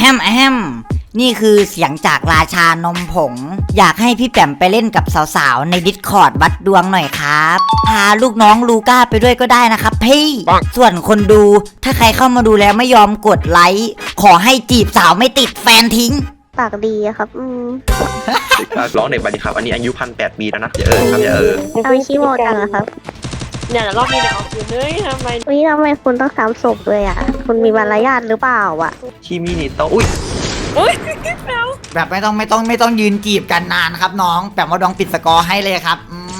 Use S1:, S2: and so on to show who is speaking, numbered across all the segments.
S1: มนี่คือเสียงจากราชานมผงอยากให้พี่แปมไปเล่นกับสาวๆใน Discord วัดดวงหน่อยครับพาลูกน้องลูก้าไปด้วยก็ได้นะครับพี่ส่วนคนดูถ้าใครเข้ามาดูแล้วไม่ยอมกดไลค์ขอให้จีบสาวไม่ติดแฟนทิ้ง
S2: ปากดีอะครับ
S3: ร้องเด็กบัดดี้ครับอันนี้อายุ1,800 ปีแล้วนะอย่าครับอย่า
S2: เอาขี้โมจังอะครับ
S4: เนี่ยรอบนี้เดี๋ยวเอาคืนเฮ้ยทำไม
S2: คุณต้องซ้ำศพด้วยอะคุณมีมารยาทหรือเปล่าอะ
S3: ชิมินิโตอุ้ย
S1: แบบไม่ต้องยืนจีบกันนานครับน้องแบบว่าดองปิดสกอร์ให้เลยครับ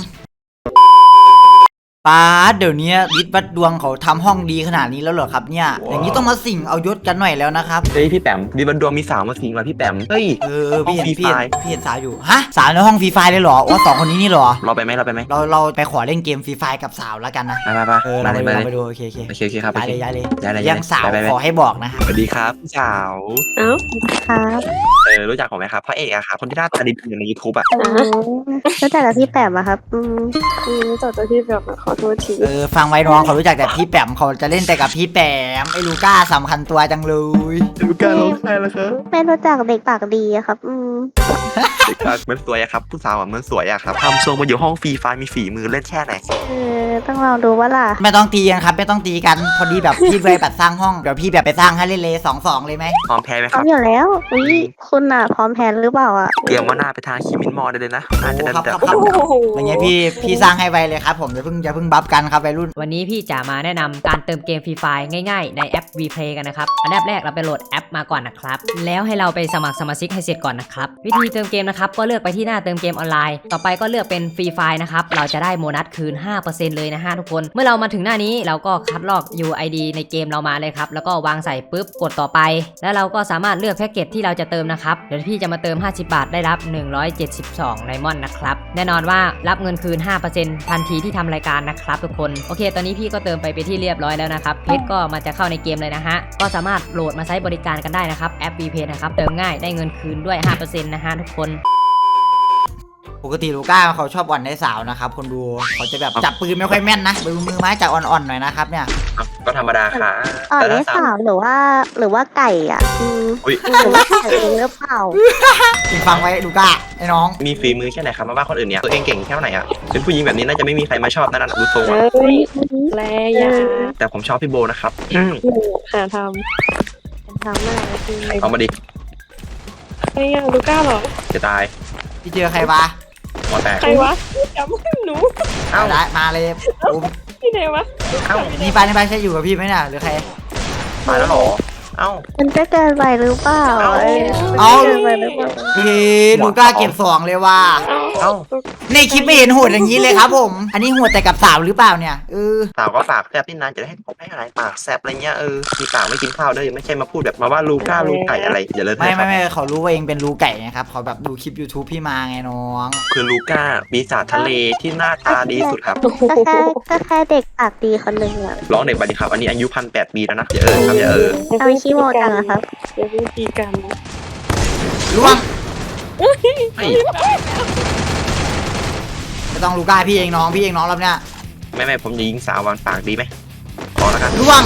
S1: ป้าเดี๋ยวนี้วิทย์วัดดวงเขาทำห้องดีขนาดนี้แล้วเหรอครับเนี่ยอย่างนี้ต้องมาสิ่งเอายศกันหน่อยแล้วนะครับ
S3: เฮ้ยพี่แปมวิทย์วัดดวงมีสาวมาสิงมาพี่แปมเฮ้ย
S1: พี่เห็นสาวอยู่ฮะสาวในห้องฟรีไฟเลยเหรอว่า2 คนนี้นี่เหรอ
S3: เราไปไหม
S1: เราไปขอเล่นเกมฟรีไฟกับสาวแล้วกันนะ
S3: ไป
S1: ไปดูโอเค
S3: ครับ
S1: ย้ายเลยยังสาวขอให้บอกนะครับ
S3: สวัสดีครับพี่สาว
S2: ครับ
S3: รู้จักผมไหมครับพระเอกอะครับคนที่หน้าตาดีอยู่ใน YouTube อะ
S2: รู้จักแต่พี่แปมอะครับ
S4: รู้จักแต่พี่แบบขอโทษที
S1: ฟังไว้น้องเขารู้จักแต่พี่แปมเขาจะเล่นแต่กับพี่แปมไอ้ลูก้าสำคัญตัวจังเลย
S3: ลูก้าร้องไห้แล้วครับ
S2: ไม่รู้จักเด็กปากดีอะครับ
S3: เด็กปากเหมือนสวยอะครับผู้สาวเหมือนสวยอะครับทำทรงมาอยู่ห้องฟรีไฟมีฝีมือเล่นแค่ไหน
S2: ต้องลองดูว่าล่ะ
S1: ไม่ต้องตีกันครับไม่ต้องตีกันพอดีแบบพี่เลยแบบสร้างห้องเดี๋ยวพี่แบบไปสร้างให้เล่นเลย2-2เลยไหม
S3: พร้อมแพ้ไหมค
S2: รั
S3: บ
S2: พร้อมอยู่แล้วคุณอะพร้อมแพ้หรือเปล่าอะ
S3: เตรียมว่าหน้าไปทางคิมินมอได้เลยนะอาจจะ
S1: ครับอย่างเงี้ยพี่สร้างให้ไวเลยครับผมอย่าเพิ่งบัฟกันครับวัยรุ่น
S5: วันนี้พี่จะมาแนะนำการเติมเกมฟรีไฟง่ายๆในแอป VPlay กันนะครับอันดับแรกเราไปโหลดแอปมาก่อนนะครับแล้วให้เราไปสมัครสมาชิกให้เสร็จก่อนนะครับวิธีเติมเกมนะครับก็เลือกไปที่หน้าเติมเกมออนไลน์ต่อไปก็เลือกเป็นฟรีไฟนะครับเราจะได้โบนัสคืน 5% เลยนะฮะทุกคนเมื่อเรามาถึงหน้านี้เราก็คัดลอก UID ในเกมเรามาเลยครับแล้วก็วางใส่ปุ๊บกดต่อไปแล้วเราก็สามารถเลือกแพ็กเกจที่เราจะเติมนะครับเดี๋ยวพี่จะมาเติม50 บาทได้รับ172ไดมอนด์นะครับแน่นอนว่ารับเงินคืน 5% ทันทีที่ทำรายการนะครับทุกคนโอเคตอนนี้พี่ก็เติมไปเป็นที่เรียบร้อยแล้วนะครับเพจก็มาจะเข้าในเกมเลยนะฮะก็สามารถโหลดมาใช้บริการกันได้นะครับแอป VPlay นะครับเติมง่ายได้เงินคืนด้วย 5% นะฮะทุกคน
S1: ปกติลูก้าเขาชอบอ่อนได้สาวนะครับคนดูเขาจะแบบจับปืนไม่ค่อยแม่นนะมือไม้จับอ่อนๆหน่อยนะครับเนี่ย
S3: ก็ธรรมดาค่ะ
S2: อ่อนได้สาวหรือว่าไก่อ่ะหรือว่าไก่เองหรือเปล่า
S1: ฟังไว้ลูก้าไอ้น้อง
S3: มีฝีมือแค่ไหนครับมาว่าคนอื่นเนี่ยตัวเองเก่งแค่ไหนอ่ะเป็นผู้หญิงแบบนี้น่าจะไม่มีใครมาชอบนั่นดูทรงอ่ะ
S4: แย่
S3: แต่ผมชอบพี่โบนะครับ
S4: หาทำอะไร
S3: เอามาดิ
S4: ไอ้ยังลูก้าหรอ
S3: จะตาย
S1: พี่เจอใครวะ
S3: หัวแตก
S4: ใครวะจำไม่หนู
S1: ได้มาเลย
S4: พี่ไหนวะ
S1: นี่ไปใช่อยู่กับพี่ไหมเนี่ยหรือใคร
S3: มาแล้วหรอ
S2: มันจะเกินไปหรือเปล่า
S1: ลูก้าเก็บ2เลยว่ะในคลิปไม่เห็นโหดอย่างนี้เลยครับผมอันนี้โหดแต่กับสาวหรือเปล่าเนี่ย
S3: สาวก็ปากแซบที่นานจะได้ให้ผมให้อะไรปากแซบอะไรเงี้ยมีปากไม่กินข้าวด้วยไม่ใช่มาพูดแบบมาว่าลูก้าลูไก่อะไรอย่าเลย
S1: ไม่เขารู้ว่าเองเป็นลูไก่นะครับเขาแบบดูคลิป YouTube พี่มาไงน้อง
S3: คือลูก้าปีศาจทะเลที่หน้าตาดีสุดครับ
S2: ก็แค่เด็กปากดีคนหนึ่งอะ
S3: ร้องเด็กบัดดี้ครับอันนี้อายุ1,800 ปีแล้วนะอย่าครับอย่า
S2: เอาขี้โมจังอะครับ
S4: อย่าพูดตีกัน
S1: ล่วงไม่ต้องลูก้าพี่เองน้องแล้วเนี่ย
S3: ไม่ผมยิงสาววันปากดีไหมขอแล้วกัน
S1: ล่วง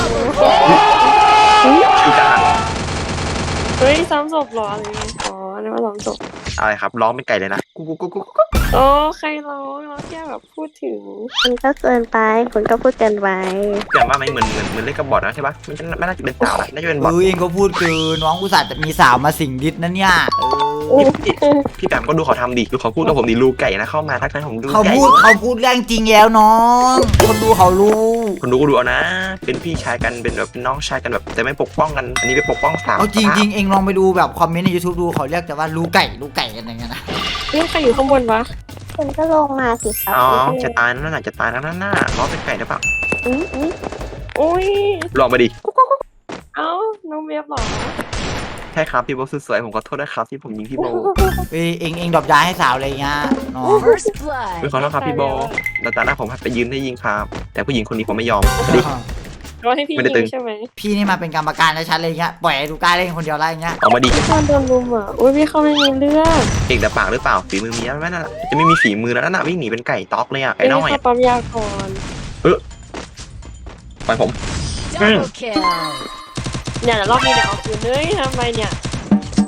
S3: ชื่อจ้า
S4: เฮ้ยซ้ำศพหรออะไรอ๋อนี่ว่าซ้ำศพ
S3: อะไรครับร้องเป็นไก่เลยนะกุ๊ก
S4: โอ้ใครร้องแค่แบบพูดถึง
S2: มันก็เกินไปคุณก็พูดเกินไป
S3: แต่ว่าไม่เหมือนเล่นกับบอทนะใช่ปะมันไม่น่าจะเป็นสาวน่าจะเป็นบอท
S1: เองก็พูดคือน้องอุตส่าห์จะมีสาวมาสิงดิษนั่นเนี่ย
S3: พี่แปมก็ดูเขาทำดิดูเขาพูดกับผมดิลูกไก่นะเข้ามาทักทายผมดู
S1: เขาพูดเรื่องจริงแล้วน้องคนดูเขารู้
S3: คนดูก็ดูเอานะเป็นพี่ชายกันเป็นแบบน้องชายกันแบบแต่ไม่ปกป้องกันอันนี้ไปปกป้องสาว
S1: เอาจริงเองลองไปดูแบบคอมเมนต์ใน YouTube ดูเขาเรียกแต่ว่าลูกไก่กันอย่างเงี้ยนะ
S4: นี่ใครอยู่ข้างบนวะ
S2: คุณก็ลงมาสิครับ
S3: จะตายนั่นน่ะจะตายนั่นน่ะล้อเป็นไก่หรือเปล่า
S4: อุ้ย
S3: ลองมาดิ
S4: เอ้าน้องเวียบหรอ
S3: ใช่ครับพี่โบสวยผมขอโทษด้วยครับที่ผมยิงพี่โบ
S1: เองดรอปยาให้สาวอะไรเงี้ยน้อง
S3: ขอโทษครับพี่โบตาหน้าผมไปยืนได้ยิงครับแต่ผู้หญิงคนนี้ผมไม่ยอม
S4: ก็ให้พี่ยิงใช่ไหม
S1: พี่นี่มาเป็นกรรมการในชั้นเลยเงี้ยปล่อยลูก้าเล่นคนเดียวไรเงี้ย
S3: ออกมาดิ
S4: พี่โดนรุมอ่ะอุ้ยพี่เขาไม่มีเลือด
S3: เก่งแต่ปากหรือเปล่าฝีมือมีไหมนั่นจะไม่มีฝีมือแล้วน่ะวิ่งหนีเป็นไก่ต๊อกเลยอ่ะไอ้น้อย
S4: ปั๊มยาก่อน
S3: ไปผม
S4: เนี่ยรอบนี้เดี๋ยวเอาคืนเฮ้ยทำไมเนี่ย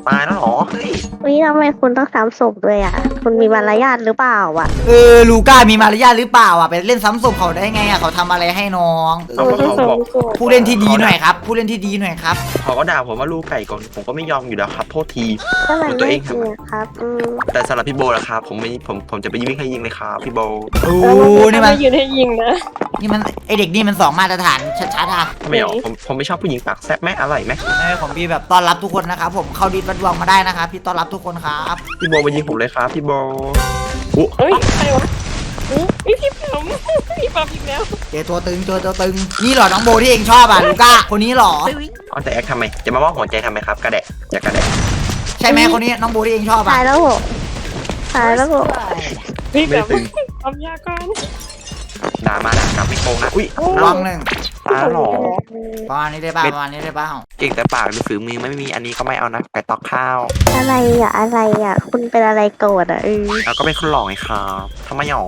S3: ตายแล้วเหรอเฮ้ย
S2: วิทำไมคุณต้องซ้ำศพด้วยอ่ะ คุณมีมารยาทหรือเปล่าอ่ะ
S1: ลูก้ามีมารยาทหรือเปล่าอ่ะไปเล่นซ้ำศพเขาได้ไงอ่ะเขาทำอะไรให้น้อง
S3: เอาก็เขาบอก
S1: ผู้เล่นที่ดีหน่อยครับผู้เล่นที่ดีหน่อยครับ
S3: เขาก็ด่าผมว่าลูกไก่ก่อนผมก็ไม่ยอมอยู่แล้วครับโทษที
S2: ก็มัน
S3: ตัวเอ
S2: ไม่
S3: ง
S2: จริงอะครับ
S3: แต่สำหรับพี่โบล่ะครับผมจะไปยิงให้ยิงเลยครับพี่โบ
S1: โอ้
S4: นี่
S1: นี่
S4: มั
S1: มัน น
S4: ยืนให้ยิงนะ
S1: นี่มันไอเด็กนี่มัน2 มาตรฐานชัดๆอ่ะ
S3: ทำไมอ๋อผมไม่ชอบผู้หญิงปากแซ่บไหมอร่อยไหม
S1: ของพี่แบบต้อนรับทุกคนนะครับผมเข้าดิสวัดดวงมาได้นะครับพี่ต้อนรับทุกคนครับ
S3: พี่โบมายิงผมเลยครับพี่โบอุ๊
S4: เฮ้ยใครวะพี่แปมพี่ปั๊มอีกแล้ว
S1: เจอตัวตึงนี่เหรอน้องโบที่เองชอบอ่ะลูก้าคนนี้เหรอ
S3: เอาแต่แอคทำไมจะมาว่าหัวใจทำไมครับกระแดะอย่ากระแดะ
S1: ใช่ไหมคนนี้น้องโบที่เองชอบ
S2: ตา
S1: อ่ะ
S2: ยแล้วเหรอตายแล้วเหรอ
S4: พี่แป
S3: ไม่
S4: ม
S3: ตึง
S4: ปั๊มยาก่อน
S3: ด่ามาด่ากลับไม่โกงนะอุ้ย
S1: ลองหนึ่ง
S3: ตายแล้วเหรอ
S1: ประมาณนี้ได้ป่ะประมาณนี้ได้ป่ะ
S3: เก่งแต่ปากหรือฝีมือไม่มีอันนี้ก็ไม่เอานะไก่ตอกข้าว
S2: อะไรอ่ะอะไรอ่ะ คุณเป็นอะไรโกรธอ่ะ
S3: เราก็เป็นคนหล่อไงครับทำไมหรอ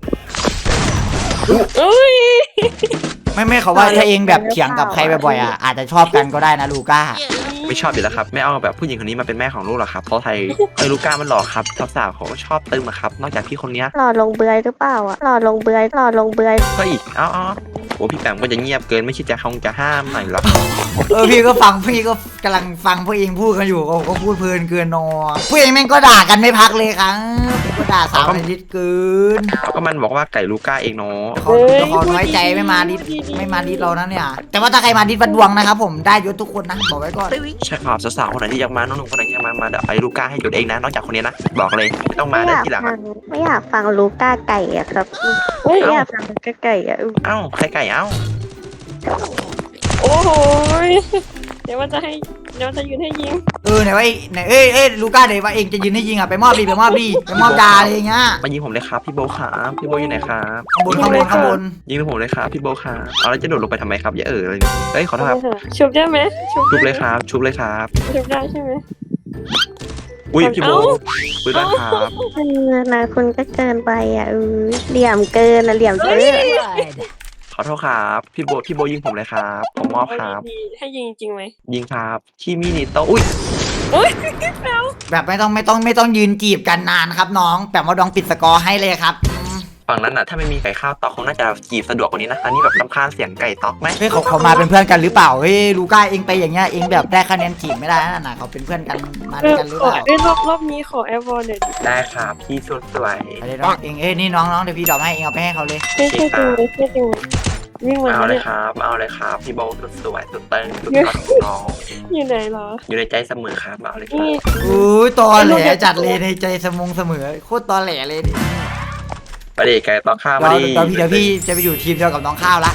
S4: เอ้ย
S1: ไม่เขาว่าถ้าเองแบบเถียงกับใครบ่อยๆอ่ะอาจจะชอบกันก็ได้นะลูก้า
S3: ไม่ชอบอยู่แล้วครับไม่เอาแบบผู้หญิงคนนี้มาเป็นแม่ของลูกหรอกครับเพราะไทยลูก้ามันหล่อครับสาวๆเขาก็ชอบตึมอะครับนอกจากพี่คนเนี้ย
S2: หล่อลงเบือยหรือเปล่าอ่ะหล่อลงเบือยหล่อลงเบือย
S3: ก็อีกเอ้าโอ้พี่แปมก็จะเงียบเกินไม่คิดจะจะห้ามหน่อยหรอ
S1: พี่ก็กำลังฟังพวกเองพูดกันอยู่ก็พูดเพลินเกินนอพวกเองแม่งก็ด่ากันไม่พักเลยครับก็ด่าสาวในดิสเกิน
S3: เขาก็มันบอกว่าไก่ลูก้าเองเนาะ
S1: เขาน้อยใจไม่มาดิสเรานะเนี่ยแต่ว่าถ้าใครมาดิสวัดดวงนะครับผมได้ยศทุกคนนะบอกไว้ก่อน
S3: ใช่ครับสาวๆคนไหนที่อยากมาน้องหนุ่มคนไหนที่อยากมาเดี๋ยวไอ้ลูก้าให้หยุดเองนะนอกจากคนนี้นะบอกเลยไม่ต้องมา
S2: ไม่อ
S3: ได้
S2: ยาก
S3: ทีหลัง
S2: ฟังไม่อยากฟังลูก้าไก่อ่ะครับไม่อยากฟังลูก้าไก่อ่ะ
S3: เอ้าใครไก่เอ้า
S4: โอ้โหเดี๋ยวว่าจะยืนให้ยิง
S1: ไหนว่าไหนลูก้าเดี๋ยวว่าเองจะยืนให้ยิงอ่ะไปมอบดาอะไรอย่างเงี้ย
S3: มายิงผมเลยครับพี่โบครับพี่โบอยู่ไหนครับ
S1: ข้างบน
S3: ยิงผมเลยครับพี่โบครับเอาแล้วจะโดดลงไปทำไมครับอย่าเลยเฮ้ยขอโทษครับ
S4: ชุบได้ไหม
S3: ชุบเลยครับชุบเลยครับ
S4: ชุบได้ใช่ไหม
S3: อุ้ยพี่โบ
S4: เอ้า
S3: ปืนลั่นครับ
S2: นะคุณก็เกินไปอ่ะเหลี่ยมเกินนะเหลี่ยมเกิน
S3: ขอโทษครับพี่โบยิงผมเลยครับผมมอบครับ
S4: ให้ยิงจริงไหม
S3: ยิงครับที่มินิโตอุ้ย
S1: แบบไม่ต้องยืนจีบกันนานครับน้องแบบว่าดองปิดสกอร์ให้เลยครับ
S3: ฝั่งนั้นน่ะถ้าไม่มีไก่ข้าวตอกคงน่าจะจีบสะดวกกว่านี้นะอันนี้แบบรำคาญเสียงไก่ตอกไหม
S1: เฮ้ยเขามาเป็นเพื่อนกันหรือเปล่าเฮ้ยลูก้าเองไปอย่างเงี้ยเองแบบได้คะแนนจีบไม่ได้นั่นน่ะเขาเป็นเพื่อนกันมาด้วยกันหรือเปล่าร
S4: อบนี้ขอแอร์วอลเดี๋ยว
S3: ได้ครับพี่สวย
S1: อะไรน้องเองนี่น้องเดี๋ยวพี่ดอกให้เองเอาไปให้เขาเลย
S4: ไม่ใช่จริงเลยไม่จริงวิ่งมา
S3: เอาเล
S4: เนี่ย ย
S3: ครับเอาเลยครับพี่โบสุดสวยสุดเต้นสุดยอดของน้อง
S4: อยู่ไหนเหรอ
S3: อยู่ในใจเสมอครับเอาเลยครับ
S4: นี่
S1: อุ้ยตอแหลจัดเลยในใจเสมอโคตรตอแหลเลยดิ
S3: ไปดิไก่ตอกข้าวมาดิ
S1: เดี๋ยวพี่จะไปอยู่ทีมเดียวกับน้องข้าวละ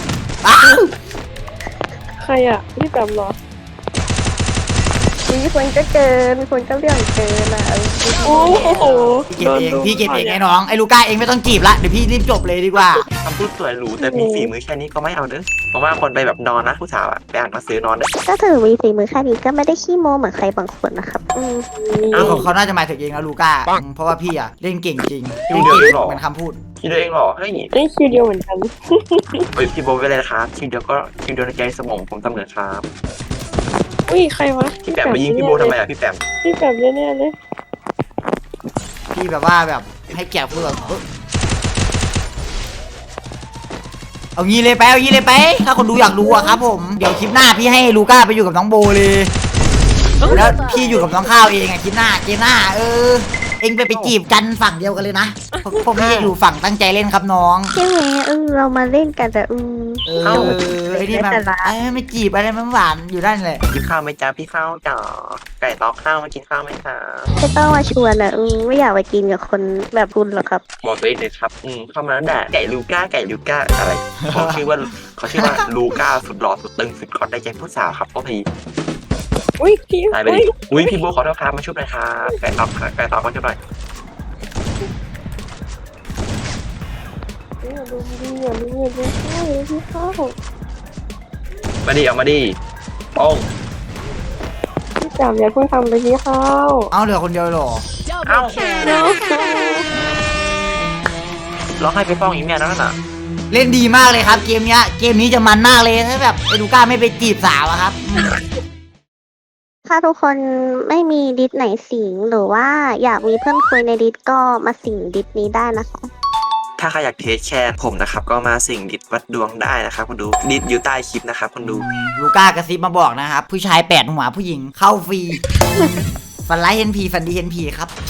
S4: ใครอ่ะพี่แปมเหรอ
S2: นี่คนก็เกินคนก็เรื่องเกินอ่ะ
S4: โอ้โห
S1: พี่เก็บเองไอ้น้องไอ้ลูก้าเองไม่ต้องจีบละเดี๋ยวพี่รีบจบเลยดีกว่า
S3: คำพูดสวยหรูแต่มีฝีมือแค่นี้ก็ไม่เอาเด้อเพราะว่าคนไปแบบนอนนะผู้สาวอะไปอ่านหนังสือนอนเด้อ
S2: ก็ถือมีฝีมือแค่นี้ก็ไม่ได้ขี้โม้เหมือนใครบางคนนะครับ
S1: เขาน่าจะหมายถึงเองนะลูก้าเพราะว่าพี่อะเล่นเก่งจริงเล่นเก่งเหมือนคำพูด
S3: คิดตัวเองเหรอเฮ้ย
S4: นี่คิวเดียวเหมือนกัน
S3: เฮ้ยพี่โบไปเลยนะครับคิดเดียวก็คิดเดียวในใจสมองผมเสมอครับ
S4: อุ้ยใครวะ
S3: พี่แปมไปยิงพี่โบทำไมอะพี่แปม
S4: พี่แปมแน่ๆเลย
S1: พี่แบบว่าแบบให้เกียรติพูดแบบเอางี้เลยไปถ้าคนดูอยากรู้อะครับผมเดี๋ยวคลิปหน้าพี่ให้ลูก้าไปอยู่กับน้องโบเลยแล้วพี่อยู่กับน้องข้าวเองอะคลิปหน้าเกมหน้าเองไปจีบกันฝั่งเดียวกันเลยนะพวกพี่อยู่ฝั่งตั้งใจเล่นครับน้อง
S2: ใช่ไหมเรามาเล่นกันแต่
S1: ไอ้นี่มันไม่จีบอะไรมันหวานอยู่ด้านเลย
S3: กินข้าวไหมจ๊ะพี่ข้าวจ๋าไก่ตอกข้าวมากินข้าวไหมคะ
S2: ไม่ต้องมาชวนอ่ะไม่อยากไปกินกับคนแบบคุณหรอกครับ
S3: บอกตัวเองเลยครับเข้ามาแล้วด่าไก่ลูก้าอะไรเขาชื่อว่าลูก้าสุดหล่อสุดตึงสุดคอตได้ใจผู้สาวครับก็ที
S4: อุ้ยพี่
S3: ตายไปดิอุ้ยพี่โบขอโทษครับมาช่วยหน่อยครับไก่ตอกมาช่วยหน่อย
S4: อย่าดูพี่เข้า
S3: มาดิเอามาดิโป้ง
S4: พี่แปมอย่าเพิ่งทำเลยพี่เข้า
S1: เอาเหลือคนเดียวหรอ
S3: เอ้า
S4: เนาะ
S3: ร้องให้ไปฟ้องอีเมียนั่นน่ะ
S1: เล่นดีมากเลยครับเกมนี้จะมันมากเลยถ้าแบบไอ้ลูก้าไม่ไปจีบสาวอะครับ
S2: ถ้าทุกคนไม่มีดิสไหนสิงหรือว่าอยากมีเพื่อนคุยในดิสก็มาสิงดิสนี้ได้นะคะ
S3: ถ้าใครอยากเทสแชร์ผมนะครับก็มาสิ่งดิดวัดดวงได้นะครับคุณดูดิดอยู่ใต้คลิปนะครับคุณดู
S1: ลูก้ากระซิบมาบอกนะครับ ผู้ชาย8 หัวผู้หญิงเข้าฟรี ฟันไลท์เฮนพีฟันดีเฮนพีครับ